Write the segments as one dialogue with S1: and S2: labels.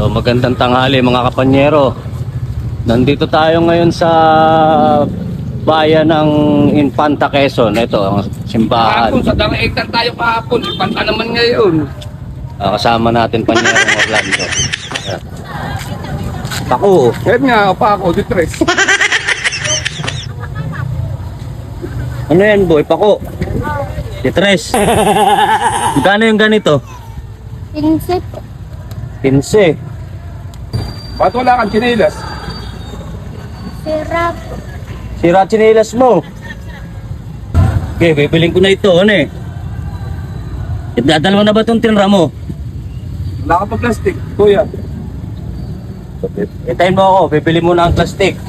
S1: Magandang tanghali mga kapanyero. Nandito tayo ngayon sa bayan ng Infanta, Quezon. Ito ang simbahan.
S2: Kahapon, sa Daraitan tayo kahapon. Ipanta naman ngayon.
S1: Kasama natin Panyerong Orlando. Ako.
S2: Kahit nga, pa ako, ditres.
S1: Ano yan boy? Pako. Ditres. Magkano yung ganito?
S3: 15.
S1: 15.
S2: Ba't wala kang chinelas?
S3: Sirap.
S1: Sira tsinelas mo. Okay, bibiling ko na ito. Ano eh? Dalawa na ba itong tinra mo?
S2: Wala ka pa plastic, kuya.
S1: Hintayin mo ako, bibili muna ang plastic.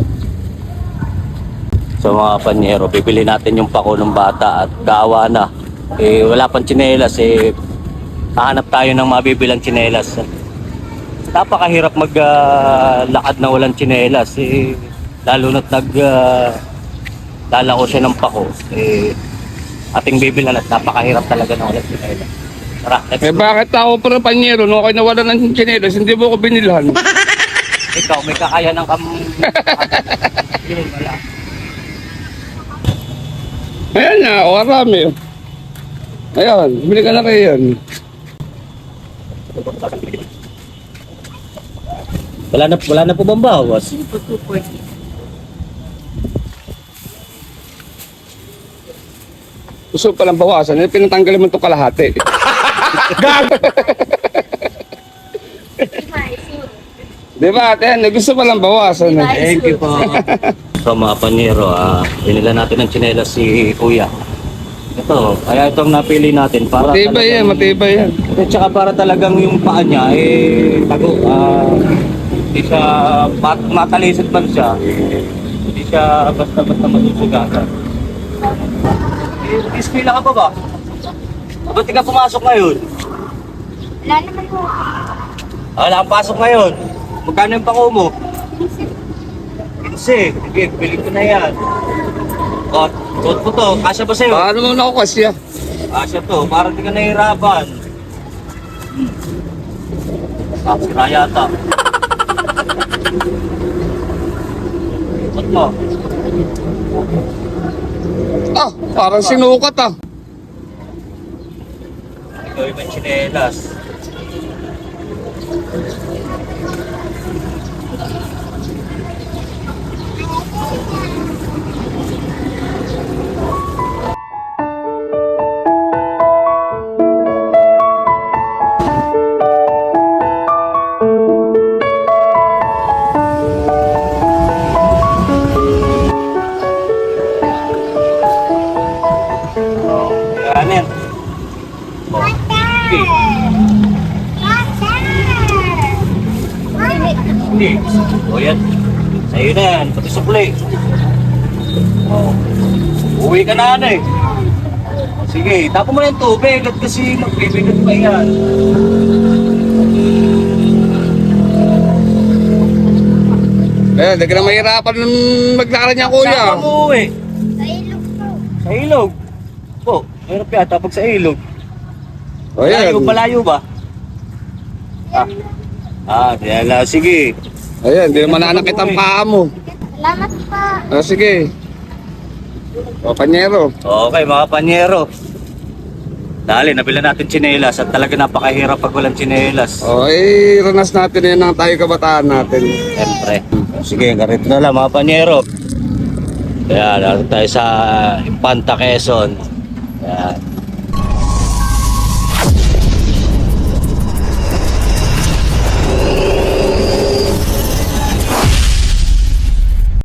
S1: So mga panyero, bibili natin yung pako ng bata at kaawa na. Wala pang tsinelas, hahanap tayo ng mabibilang tsinelas. Napakahirap maglakad na walang tsinelas. Lalo na't lalako siya ng pako. Ating bibilan at napakahirap talaga na walang tsinelas. Tara, let's go.
S2: Bakit ako pa ng panyero, nung ako'y nawala ng chinelas, hindi mo ko binilhan.
S1: Ikaw, may kakaya ng wala.
S2: Ayan na, o arami. Ayan, bili ka na kayo yan.
S1: Wala na po bang bawas?
S2: Gusto palang bawasan, pinatanggal mo itong kalahati. Gago! Di ba, ate? Gusto palang bawasan.
S1: Thank you po. So mga panyero, binila natin ng tsinelas si Kuya. Ito, kaya itong napili natin para
S2: Matibay yan, matibay yan.
S1: At saka para talagang yung paa niya, tago. Hindi siya, matalisod man siya. Hindi siya basta-basta masusugatan. Ispila ka pa ba? Ba't di ka pumasok ngayon?
S3: Wala naman po.
S1: Wala kang pasok ngayon. Magkano yung pako mo? 15. Sige, bili ko na yan. Suot po to. Kasya ba sa'yo?
S2: Paano mo na ako kasya?
S1: Kasya to. Para di ka nahihirapan. Sira yata. Suot mo.
S2: Ah, parang sinukat ah.
S1: Ikaw yung may tsinelas. Yan. Okay. Hindi. O yan. Sa'yo na yan. Pati sukli. Uwi ka na eh. Sige, tapo mo na yung tubig at kasi magbibigat pa yan.
S2: Eh, hindi ka na mahirapan maglakad niya, kuya.
S1: Saan ka mo uwi?
S3: Sa ilog po.
S1: Sa ilog. Po, mayroon yata pag sa ilog.
S2: O yan.
S1: Malayo ba? Diyan lang. Sige.
S2: Ayan, hindi naman nanakit ang paa mo.
S3: Salamat pa.
S2: Ah, sige. O, panyero.
S1: Okay, mga panyero. Dali, nabila natin tsinelas at talaga napakahirap pag walang tsinelas.
S2: O, ranas natin yan ang tayo kabataan natin.
S1: Siyempre. Sige, ganito na lang mga panyero. Kaya, naroon tayo sa Infanta, Quezon. Ayan.